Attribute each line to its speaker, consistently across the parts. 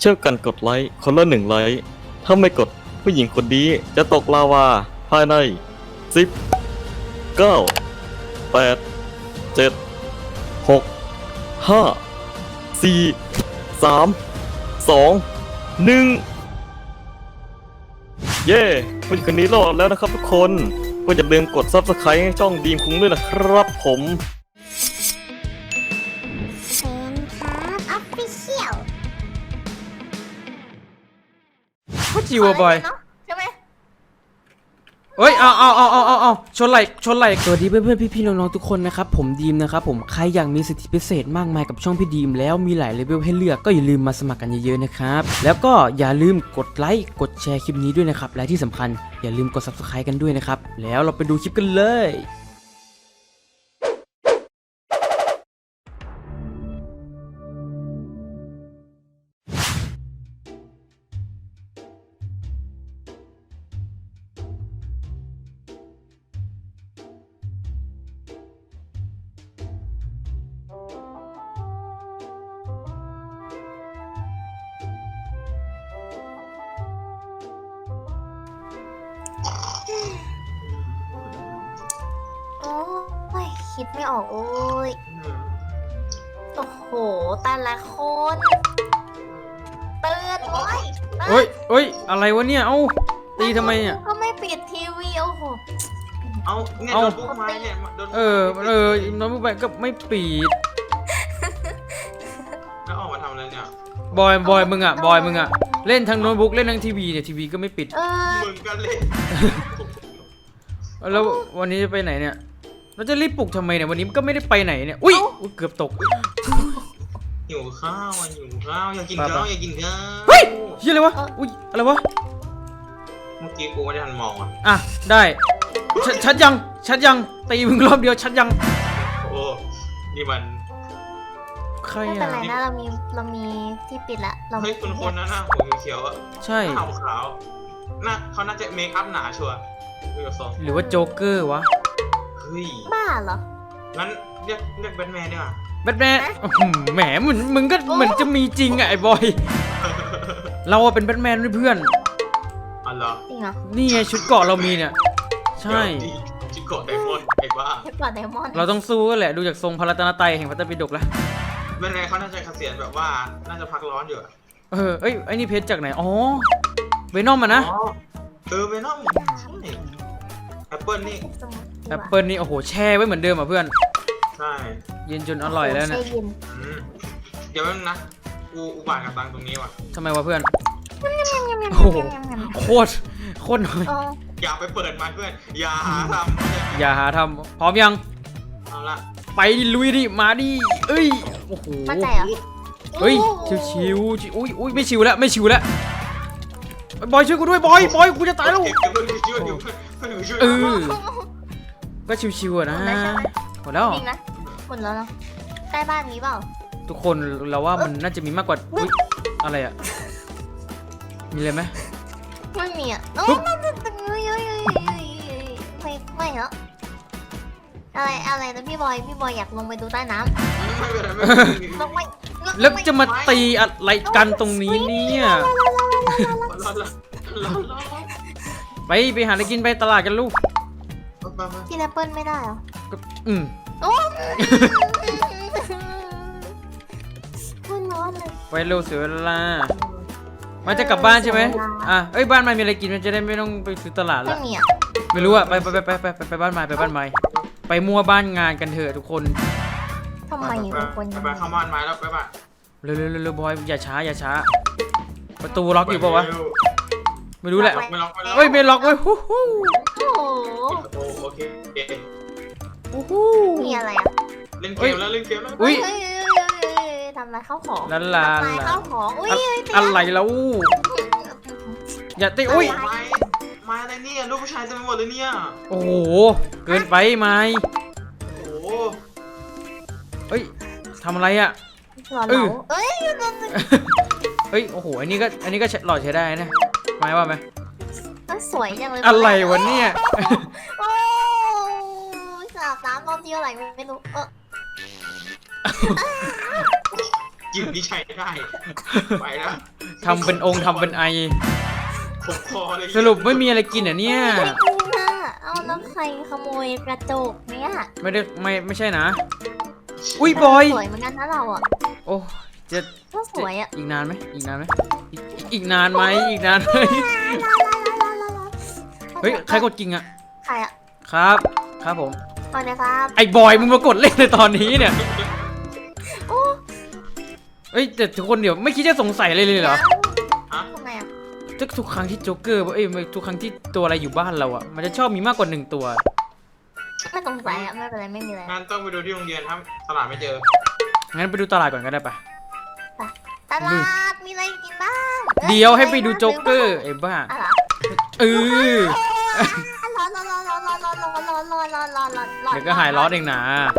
Speaker 1: เช่วยกันกดไลค์คนละ1 ไลค์ถ้าไม่กดผู้หญิงคนนี้จะตกลาวาภายใน10 9 8 7 6 5 4 3 2 1เย้ผู้หญิงคนนี้รอดแล้วนะครับทุกคนก็อย่าลืมกด Subscribe ให้ช่องดีมคุ้งด้วยนะครับผม
Speaker 2: เซนครับออฟฟิเชียล
Speaker 3: พูดจิวอะบอย
Speaker 2: ใช่ไหม
Speaker 3: เฮ้ยเอาชนไหลสวัสดีเพื่อนๆพี่ๆน้องๆทุกคนนะครับผมดีมนะครับผมใครอยากมีสิทธิพิเศษมากมายกับช่องพี่ดีมแล้วมีหลายเลเวลให้เลือกก็อย่าลืมมาสมัครกันเยอะๆนะครับแล้วก็อย่าลืมกดไลค์กดแชร์คลิปนี้ด้วยนะครับและที่สำคัญอย่าลืมกด Subscribe กันด้วยนะครับแล้วเราไปดูคลิปกันเลย
Speaker 2: โอ้ยคิดไม่ออกโอ้ยโอ้โหแต่ละคนเตือนโอ้ย
Speaker 3: เฮ้ยอะไรวะเนี่ยเอ้าตีทำไมเนี่ย
Speaker 2: ก็ไม่ปิดทีวีโอ้โห
Speaker 4: เอาเนี่ย
Speaker 3: เอา
Speaker 4: โดนปุ๊บมาเนี่ยโดน
Speaker 3: น้องไปก็ไม่ปิด
Speaker 4: แล้วออกมาทำอะไรเนี่ย
Speaker 3: บอยมึงอะเล่นทั้งโน้ตบุ๊กเล่นทั้งทีวีเนี่ยทีวีก็ไม่ปิด
Speaker 4: มึงกันเลย
Speaker 3: แล้ววันนี้จะไปไหนเนี่ยเราจะรีบปลุกทำไมเนี่ยวันนี้มันก็ไม่ได้ไปไหนเนี่ยอุ๊ยเกือบตก
Speaker 4: หิวข้าวอ่ะหิวข้าวอยากกินข้าวอยากกินข้าว
Speaker 3: เฮ้ยเฮียอะไรวะอุ๊ยอะไรวะ
Speaker 4: เมื่อกี้กูไม่ได้ทันมองอ่ะ
Speaker 3: อ่ะได้ชัดยังตีมึงรอบเดียวชัดยัง
Speaker 4: โอ้นี่มัน
Speaker 3: ใคร
Speaker 2: ไม่เป็น
Speaker 3: อ่ะ
Speaker 2: ไรนะเรามีที่ปิดละเรา
Speaker 4: เฮ้ยคนนะหน้าหัวเขียวๆอ่ะ
Speaker 3: ใช่
Speaker 4: หน้าขาวหน้าเขาน่าจะเมคอัพหนาชัวร์ดูจากทรง
Speaker 3: หรือว่าโจ๊กเกอร์วะ
Speaker 4: เฮ้ย
Speaker 2: บ้าเหรอ
Speaker 4: งั้นเรียกแบทแมนดีกว่า
Speaker 3: แบทแมนแหมมึงก็เหมือนจะมีจริงอะไอ้บอยเราอะเป็นแบทแมนด้วยเพื่อน
Speaker 4: อ๋อเหรอ
Speaker 2: จริงเหรอ
Speaker 3: นี่ไงชุดเกราะเรามีเนี่ยใช่
Speaker 4: จิโกะไดมอนด์ไอ้บ้า
Speaker 2: เทปกว่าไดมอนด์
Speaker 3: เราต้องสู้กันแหละดูจากทรงพระรัตนตรัยแห่งพระไตรปิฎกแล้ว
Speaker 4: แบทแมนเขาน่าจะเกษียณแบบว่าน่าจะพักร้อนอยู่อะ
Speaker 3: เอ้ยไอ้นี่เพชรจากไหนอ๋อเวนอมอะนะ
Speaker 4: อ๋อเวนอมใช่แอปเปิลนี่
Speaker 2: สมุด
Speaker 3: แอปเปิลนี่โอ้โหแช่ไว้เหมือนเดิมอ่ะเพื่อน
Speaker 4: ใช่
Speaker 3: เย็นจนอร่อยแล้วเนี่ย
Speaker 2: เย็น
Speaker 4: อืมเดี๋ยวแป๊บนึงนะกูอุบาทกับตังตรงนี้ว่ะ
Speaker 3: ทำไมวะเพื่อนโอ้โหโคตรน้อย
Speaker 2: โอ้
Speaker 4: อย่าไปเปิดมันเพื่อนอย่าหาทำ
Speaker 3: อย่าหาทำพร้อมยัง
Speaker 4: เอาละ
Speaker 3: ไปดิลุยดิมาดิเอ้ยโอ้โห
Speaker 2: มั่นใจเหรอ
Speaker 3: เฮ้ยชิวอุ้ยไม่ชิวแล้วบอยช่วยกูด้วยบอยกูจะตายแล้ว
Speaker 4: เก็บเพื่อนช่วยเดี๋ยวเพื่อนช่วย
Speaker 3: เออก็ชิวๆอะนะหมดแล้ว
Speaker 2: จริงนะหมดแล้วเนาะใกล้บ้านมีเปล่า
Speaker 3: ทุกคนเราว่ามันน่าจะมีมากกว่าอุ๊ยอะไรอะมีอะไรไหม
Speaker 2: ไม่มีอ่ะโอ้
Speaker 3: ปุ๊บ
Speaker 2: มันจะตึงไม่เหรออะไรนะพี่บอยอยากลงไปดูใต้น้
Speaker 4: ไม่เป็นไรไม่
Speaker 2: ำลงไป
Speaker 3: แล้วจะมาตีอะไรกันตรงนี้เนี่ย
Speaker 4: รอดละรอด
Speaker 3: ไปหาอะไรกินไปตลาดกันลูก
Speaker 2: กินแอปเปิ้ลไม่ได้เหรอ
Speaker 3: ก็
Speaker 2: โอ้มันร้อนเลย
Speaker 3: ไปเร็วเสียเวลามาจะกลับบ้านใช่ไหมอ่ะเอ้ยบ้านมันมีอะไรกินมันจะได้ไม่ต้องไปซื้อตลาด
Speaker 2: ไม่
Speaker 3: ละ
Speaker 2: มีอ่ะ
Speaker 3: ไม่รู้อะไปบ้านไม้ไปมั่วบ้านงานกันเถอะทุกคน
Speaker 2: ทำไมเป็นคนอย่าง
Speaker 4: ไป
Speaker 2: นี้
Speaker 4: เข้าบ้านไม้แล้วไปบ้าน
Speaker 3: เร็วบอยอย่าช้าประตูล็อกอยู่ปะวะไม่รู้แหละ
Speaker 4: ไม่ล็อกไม่ล็อก
Speaker 3: เฮ้ยไม่ล็อกเว้ยฮู้ฮู้
Speaker 2: โอ้โห
Speaker 4: โอเค
Speaker 2: มีอะไรอ่ะ
Speaker 4: เล่นเกมแล้วเล่นเกมแล้ว
Speaker 3: อุ้ย
Speaker 2: เฮ้ทำลายข้าวของ
Speaker 3: ลา
Speaker 2: ทำลายข้าวของอุ้ย
Speaker 3: อะไรแล้วอย่าตีอุ้ย
Speaker 4: ไม้อะไรเนี่ยลูกผู้ชายเต็มไปหมดเลยเนี่ย
Speaker 3: โอ้โหเกินไปไหม
Speaker 4: โอ้โห
Speaker 3: เฮ้ยทำอะไรอะ
Speaker 2: หล่อเหลาเอ้ย
Speaker 3: เฮ้ยโอ้โหอันนี้ก็หล่อใช้ได้นะไม่ว่าไหม
Speaker 2: สวยจังเลย
Speaker 3: อะไรวะเนี่ย
Speaker 2: โอ้สาบน้ำตอนที่อะไรไม่รู้
Speaker 4: กินนี่ใช้ได้ไปแล้ว
Speaker 3: ทำเป็นองค์ทำเป็นไอ
Speaker 4: ผมคอเลย
Speaker 3: สรุปไม่มีอะไรกินเหรอเนี่ย
Speaker 2: ไม่กินน่ะเอาแล้วใครขโมยกระจกเนี่ย
Speaker 3: ไม่ใช่นะ อุ้ยบอย
Speaker 2: สวยเหมือนกันนะเราอ่ะ
Speaker 3: โอ้จะ
Speaker 2: ก็สวยอ่ะ
Speaker 3: อีกนานไหมอีกนานไหมอีกนานไหมอีกนานไหมเฮ้ยใครกดกิ่งอะ
Speaker 2: ใครอ่ะ
Speaker 3: ครับครับผม
Speaker 2: เอาเลยครับ
Speaker 3: ไอ้บอยมึงมากดเล่นในตอนนี้เนี่ย
Speaker 2: โอ้
Speaker 3: เอ้ยแต่ทุกคนเดี๋ยวไม่คิดจะสงสัยอะไรเลยเหรอ
Speaker 4: ฮะ
Speaker 2: ทำไมอ่ะ
Speaker 3: ทุกครั้งที่โจ๊กเกอร์เอ้ยทุกครั้งที่ตัวอะไรอยู่บ้านเราอะมันจะชอบมีมากกว่า1 ตัว
Speaker 2: ไม่สงสัยอ่ะไม่เป็นไรไม่มีอะไร
Speaker 4: งั้นต้องไปดูที่โรงเรียนถ้าตลาดไม่เจอ
Speaker 3: งั้นไปดูตลาดก่อนก็ได้ปะ
Speaker 2: ตลาดมีอะไรกินบ้าง
Speaker 3: เดี๋ยวให้ไปดูโจ๊กเกอร์ไอ้บ้า
Speaker 2: อะไร
Speaker 3: เออ
Speaker 2: ร้อน
Speaker 3: เดี๋ยวก็หายร้อนเองนะ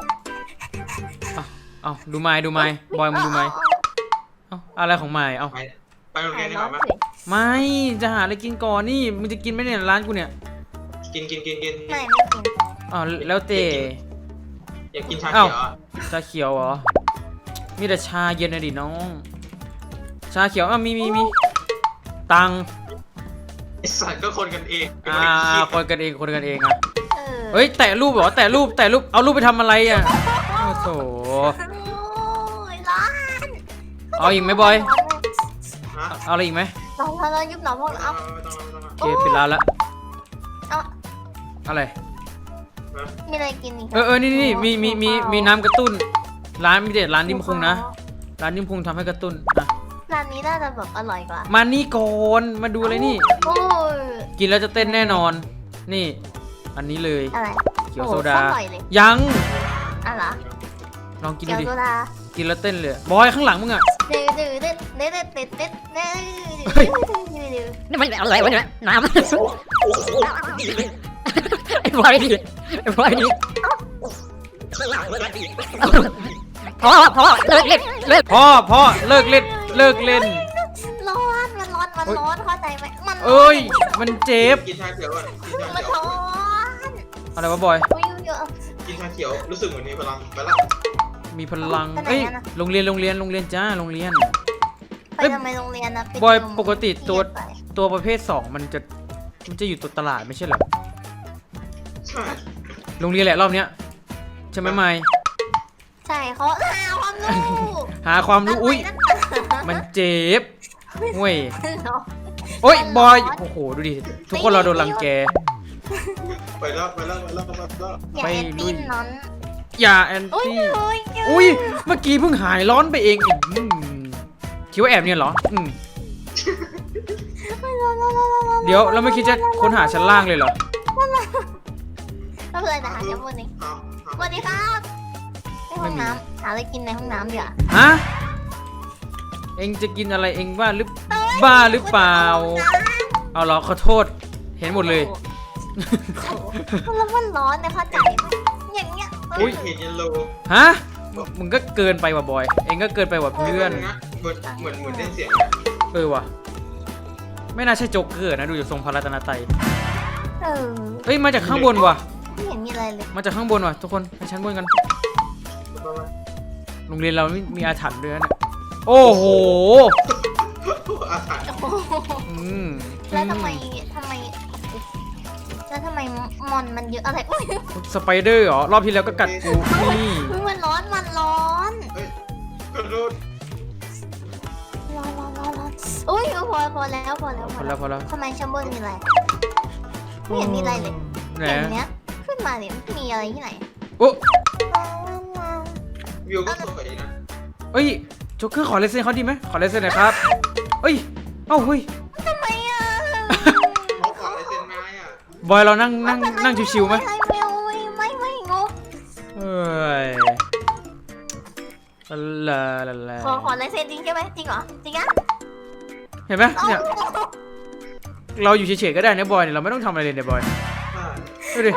Speaker 3: เอาดูไม้บอยมึงดูไม้เอาอะไรของไม้เอา
Speaker 4: ไปโรงเรียนดีกว่าไหม
Speaker 3: ไม่จะหาอะไรกินก่อนนี่มึงจะกินไหมเนี่ยร้านกูเนี่ย
Speaker 4: กิน
Speaker 2: ไม่กิน
Speaker 3: อ๋อแล้วเต
Speaker 4: อยากกินชาเขียวอ่ะ
Speaker 3: ชาเขียวเหรอมีแต่ชาเย็นนะดิน้องชาเขียวมีตังค์
Speaker 4: ไอสัตว์ก็คนกันเอง
Speaker 3: คนกันเองอะ
Speaker 2: เออ
Speaker 3: เฮ้ยแตะรูปเหรอแตะรูปเอารูปไปทำอะไรอะโอ้โห
Speaker 2: ร้อน
Speaker 3: เอาอีกไหมบอย
Speaker 4: ฮะ
Speaker 3: เอาอะไรอีกไหม
Speaker 2: ร้อนยุบหนอพวกเรา
Speaker 3: โอเคปิดร้านละ
Speaker 2: เอา
Speaker 3: อะไร
Speaker 2: มีอะไรกินอีก
Speaker 3: นี่มีน้ำกระตุ้นร้านมีเด็ดร้านนิ่มคุงนะร้านนิ่มคุงทำให้กระตุ้นอ่ะ
Speaker 2: ร้านนี้น่าจะแบบอร่อยกว่า
Speaker 3: มานี่ก่อนมาดูอะไรนี่
Speaker 2: โอ้ย
Speaker 3: กินแล้วจะเต้นแน่นอน นี่ อันนี้เลย
Speaker 2: อะไร
Speaker 3: เขียวโซดา
Speaker 2: อร่อยเลย
Speaker 3: ยัง
Speaker 2: อะไร
Speaker 3: ลองกิน
Speaker 2: เกี๊
Speaker 3: ดู
Speaker 2: ยว
Speaker 3: ดิ
Speaker 2: โซดา
Speaker 3: กินแล้วเต้นเลยบอยข้างหลังมึงอะ
Speaker 2: ดื้อดื้อดื้อดื้อดื้อดื้อดื้อดื้อ
Speaker 3: เฮ้ย
Speaker 2: ดื้อ
Speaker 5: นี่มันอะไรวะเนี่ยน้ำไอ้บอยดิไอ้บอยดิพอเลิกเล่นเลิก
Speaker 3: พ่อเลิกเล่น
Speaker 2: ร้อนมันร้อนเข้าใจไหมมัน
Speaker 3: เอ้ยมันเจ็บ
Speaker 4: กินชาเขียวอ่ะกินชา
Speaker 2: มัน
Speaker 4: เขียว
Speaker 2: ร้อน
Speaker 3: อะไรวะบอย
Speaker 2: อุ้ยเยอะ
Speaker 4: กินชาเขียวรู้สึกเหมือนมีพลังไปละ
Speaker 3: มีพลัง
Speaker 2: ไปไหน
Speaker 3: เอ้ย
Speaker 2: อะน่ะ
Speaker 3: โรงเรียนจ้าโรงเรียน
Speaker 2: ไปทำไมโรงเรียนนะ
Speaker 3: บอยปกติตัวประเภท2มันจะอยู่ตัวตลาดไม่ใช่เหรอ
Speaker 4: ใช่
Speaker 3: โรงเรียนแหละรอบเนี้ยใช่ไหมไม่
Speaker 2: ใช่เขาหาความรู้
Speaker 3: หาความรู้อุ้ย
Speaker 2: มั
Speaker 3: มันเจ็บเว้ยโอ้ยบอยโอ้โหดูดิทุกคนเราโดนรังแก
Speaker 4: ไปแล้ว
Speaker 2: อย่าแอนตี้นั้น
Speaker 3: อย่าแอน
Speaker 2: อุ้ย
Speaker 3: ตี้
Speaker 2: อุ้ย
Speaker 3: อุ้ยเมื่อกี้เพิ่งหายร้อนไปเองอีกคิดว่าแอบเนี่ยเหรอเดี๋ยวเราไม่คิดจะค้นหาชั้นล่างเลยเหรอ
Speaker 2: ก็เลยนะหาชั้นบนนี้สวัสดีครับในห้องน้ำหาอะไรกินในห้องน้ำเดี๋ยว
Speaker 3: ฮะเองจะกินอะไรเองบ้าหรือเปล่าเอาเหรอขอโทษเห็นหมดเลย
Speaker 2: แล้วมันร้อนเนี่ยเข้าใจอย่างเงี้ย
Speaker 3: อุ๊ย
Speaker 4: เห็นเยลโล
Speaker 3: ฮะมึงก็เกินไปว่ะบอยเองก็เกินไปว่ะเพื่อน
Speaker 4: เหมือนเล่นเสียง
Speaker 3: ว่ะไม่น่าใช่โจ๊กเกอร์นะดูจากทรงพระรัตนตรัย
Speaker 2: เออ
Speaker 3: เอ้ยมาจากข้างบนว่ะ
Speaker 2: ไม่เห็นมีอะไรเลย
Speaker 3: มาจากข้างบนว่ะทุกคนไปชั้นบนกันโรงเรียนเรามีอาถรรพ์ด้วยนะเนี่ยโอ้โห
Speaker 4: อาถรรพ์
Speaker 2: แล้วทำไมมอนมันเยอะอะไรอุ้ย
Speaker 3: สไปเดอร์เหรอรอบที่แล้วก็กัดกูนี่
Speaker 2: มันร้อน
Speaker 4: กระโดด
Speaker 2: อุ้ยพอแล้ว
Speaker 3: พอแล้ว
Speaker 2: ทำไมชั้นบนมีอะไรไม่เห็นมีอะไรเลย
Speaker 3: ไหน
Speaker 2: อย่างเนี้ยขึ้นมาเนี่ยมีอะไรที่ไหน
Speaker 3: โอ้
Speaker 4: วิวก็สวยนะ
Speaker 3: เอ้ยโจ๊กเกอร์ขอลายเซ็นเขาดีไหมขอลายเซ็นหน่อยครับเอ้ยเอ้าเฮ้ย
Speaker 2: ทำไมอ่ะ
Speaker 4: เขาขอลายเซ็นนายอ่ะ
Speaker 3: บอยเรานั่งชิวๆไหม
Speaker 2: ไม่งง
Speaker 3: เอ้ยลา
Speaker 2: ขอลายเซ็นจริงใช่ไหมจริงเหรอจริงอ่ะ
Speaker 3: เห็นไหมเนี่ยเราอยู่เฉยๆก็ได้นะบอยเนี่ยเราไม่ต้องทำอะไรเลยเนี่ยบอยดูดิ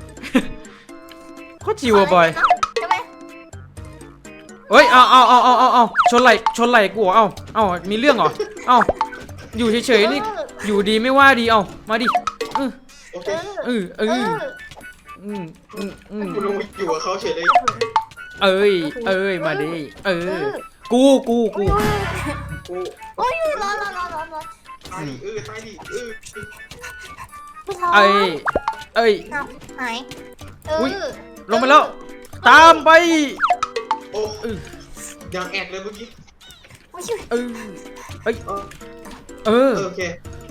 Speaker 3: โคตรจิวอะบอย
Speaker 2: ใช่ไหม
Speaker 3: เฮ้ยเอาชนไหล่กูเหรอเอามีเรื่องเหรอเอาอยู่เฉยๆนี่อยู่ดีไม่ว่าดีเอามาดิ
Speaker 4: โอเค คุณลุงอยู่กับเขาเฉยเลย
Speaker 3: เอ้ยมาดิกู
Speaker 4: กู
Speaker 2: โอ้ยร้อน
Speaker 4: ตายดิตายดิ
Speaker 2: ไม่ร้อน
Speaker 3: เอ้ยเอ้ย
Speaker 2: อ้าวหาย
Speaker 3: อุ๊ย ลงไปแล้ว ตามไป
Speaker 4: โอ้ยังแอดเลยเมื่อกี้
Speaker 2: ไม่ช่วย
Speaker 3: เออเอ้ย เออ
Speaker 4: โอเค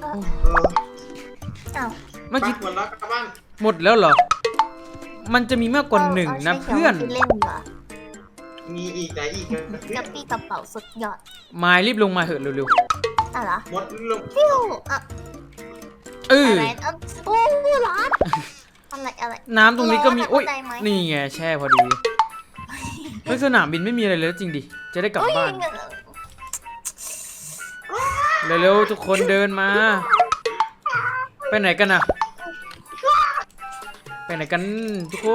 Speaker 2: อ้าว
Speaker 3: เมื่อกี้
Speaker 4: หมดแล้วกลับบ้าน
Speaker 3: หมดแล้วเหรอ มันจะมีมากกว่าหนึ่งนะเพื่อน
Speaker 2: เล่นเหรอ
Speaker 4: มีอีกไหนอีก
Speaker 2: กระปี้กระเป๋าสุดยอด
Speaker 3: มายรีบลงมาเถอะเร็ว
Speaker 2: อะไร
Speaker 4: หมดลง
Speaker 2: ฟิวอ่ะ
Speaker 3: ๆเออ
Speaker 2: อะไรโอ้ร้อนอะไร
Speaker 3: น้ำตรงนี้ก็มี
Speaker 2: ร้อนอะ
Speaker 3: โอ้ย
Speaker 2: เข้าใจไหม
Speaker 3: นี่ไงแช่พอดีเฮ้ยสนามบินไม่มีอะไรเลยจริงดิ จะได้กลับบ้าน เร็วๆทุกคนเดินมา ไปไหนกันอะไปไหนกันทุกคน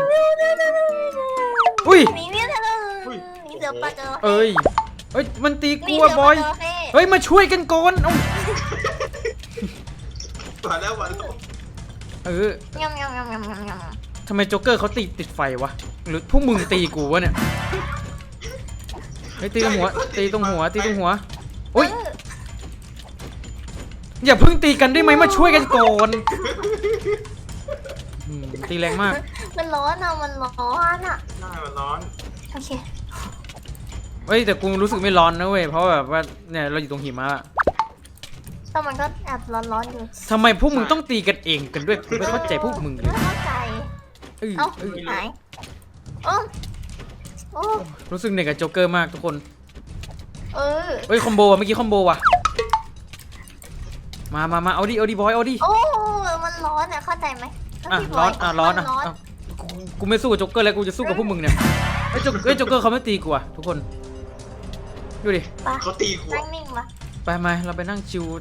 Speaker 3: อุ้ย
Speaker 2: หนีเนี่ยเธอหนีเสือปลาจระเข้
Speaker 3: เอ้ยมันตี
Speaker 2: หนี
Speaker 3: กู
Speaker 2: เสื
Speaker 3: อะบอย
Speaker 2: ปลาจระเข้
Speaker 3: เฮ้ยมาช่วยกันก่อนเอ้า
Speaker 4: มาแล้วมาแล้ว
Speaker 3: เออย
Speaker 2: ำ
Speaker 3: ทำไมโจ๊กเกอร์เขาติดไฟวะหรือพวกมึงตีกูวะเนี่ยเฮ้ยตีตรงหัวตีตรงหัวอุ้ยอย่าเพิ่งตีกันได้ไหมมาช่วยกันก่อนตีแรงมาก
Speaker 2: มันร้อนอ่ะ
Speaker 4: หน้ามันร้อน
Speaker 2: โอเค
Speaker 3: เฮ้ยแต่กูรู้สึกไม่ร้อนนะเว้ยเพราะแบบว่าเนี่ยเราอยู่ตรงหิมะอะ
Speaker 2: แต่มันก็แอบร้อนๆอยู่
Speaker 3: ทำไมพวกมึงต้องตีกันเองกันด้วยกูไม่เข้าใจพวกมึงเลย
Speaker 2: ไม่เข้าใจ
Speaker 3: เอ้ย
Speaker 2: เอ้า
Speaker 3: เอ้ย
Speaker 2: หายโอ้โอ้
Speaker 3: รู้สึกเหนื่อยกับโจ๊กเกอร์มากทุกคน
Speaker 2: เออ
Speaker 3: เฮ้ยคอมโบว่ะเมื่อกี้คอมโบว่ะมาเอาดิบอยเอาดิ
Speaker 2: โอ้มันร้อนอ่ะเข้าใจไหม
Speaker 3: อ่ะ
Speaker 2: พี่บ
Speaker 3: ร้
Speaker 2: ย
Speaker 3: อนอ่ะร้อนอ่ะ
Speaker 2: มั
Speaker 3: อ่ะกูไม่สู้กับโจ๊กเกอร์แล้วกูจะสู้กับพวกมึงเนี่ยเฮ้ยโจ๊กเกอร์เขาไม่ตีกูอ่ะทุกคนดูดิ
Speaker 2: ไป
Speaker 4: เขาตีกู
Speaker 2: นั่งนิ่งมา
Speaker 3: ไปมาเราไปนั่ง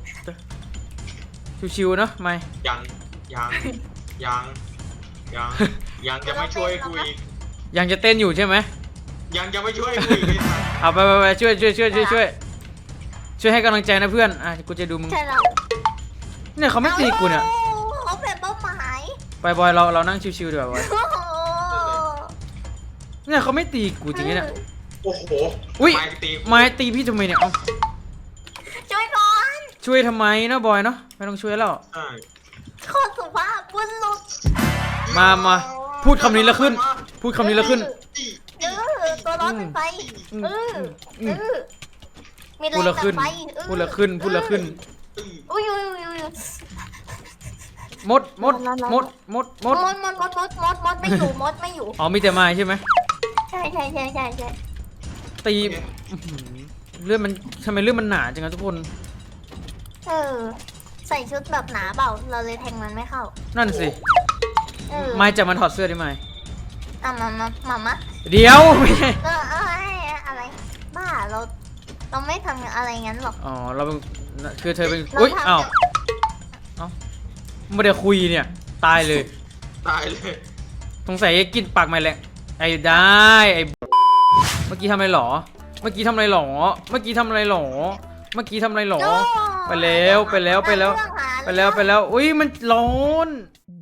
Speaker 3: ชิวๆเนาะไม่
Speaker 4: ยังจะไม่ช่วยกูอีก
Speaker 3: ยังจะเต้นอยู่ใช่ไหม
Speaker 4: ยังจะไม่ช่วยกูอีกเลย
Speaker 3: เอาไปช่วยให้กำลังใจนะเพื่อนอ่ะกูจะดูมึง
Speaker 2: ใช่แล้ว
Speaker 3: เนี่ยเขาไม่ตีกูเนี่ย
Speaker 2: เขาเป็นเป้าหมาย
Speaker 3: ไปบอยเรานั่งชิวๆดีกว่าบอย
Speaker 2: โอ้โห
Speaker 3: เนี่ยเขาไม่ตีกูจริงๆเนี่ย
Speaker 4: โอ้โห
Speaker 3: อุ้ย
Speaker 4: ไม่ตีกู
Speaker 3: ไม้ตีพี่ทำไมเนี่ยเอ้า
Speaker 2: ช่วยก่อน
Speaker 3: ช่วยทำไมนะบอยเนาะไม่ต้องช่วยแล้ว
Speaker 4: ใช่
Speaker 2: ขอสุภาพบุรุษ
Speaker 3: มาพูดคำนี้แล้วขึ้น พูดคำนี้แล้วขึ้น
Speaker 2: ตัวร้อนเป็นไฟมีแร
Speaker 3: พูด
Speaker 2: ง
Speaker 3: แล้ว
Speaker 2: จาก
Speaker 3: ขึ้น
Speaker 2: ไฟ
Speaker 3: พูดแล้วขึ้น
Speaker 2: อุ้ย
Speaker 3: มดไม่อยู่ อ๋อมีแต่ไม้ใช่ไหม
Speaker 2: ใช่
Speaker 3: ตีอื้อหือเลือดมันทำไมเลือดมันหนาจังอะทุกคน
Speaker 2: ใส่ชุดแบบหนาเปล่าเราเลยแทงมันไม่เข้า
Speaker 3: นั่นสิไม้จะมาถอดเสื้อได้ไหม
Speaker 2: มา
Speaker 3: เดี๋ยวไม่ใช่
Speaker 2: อะไรบ้าเราไม่ทำอะไรงั้นหรอก
Speaker 3: อ๋อเราเป็นคือเธอเป็นอุ้ยอ้าวไม่ได้คุยเนี่ยตายเลย
Speaker 4: ตายเลย
Speaker 3: สงสัยกินปากไม่แหละไอ้ได้ไอ้เมื่อกี้ทำอะไรหรอ ไปแล้วอุ้ยมันร้อน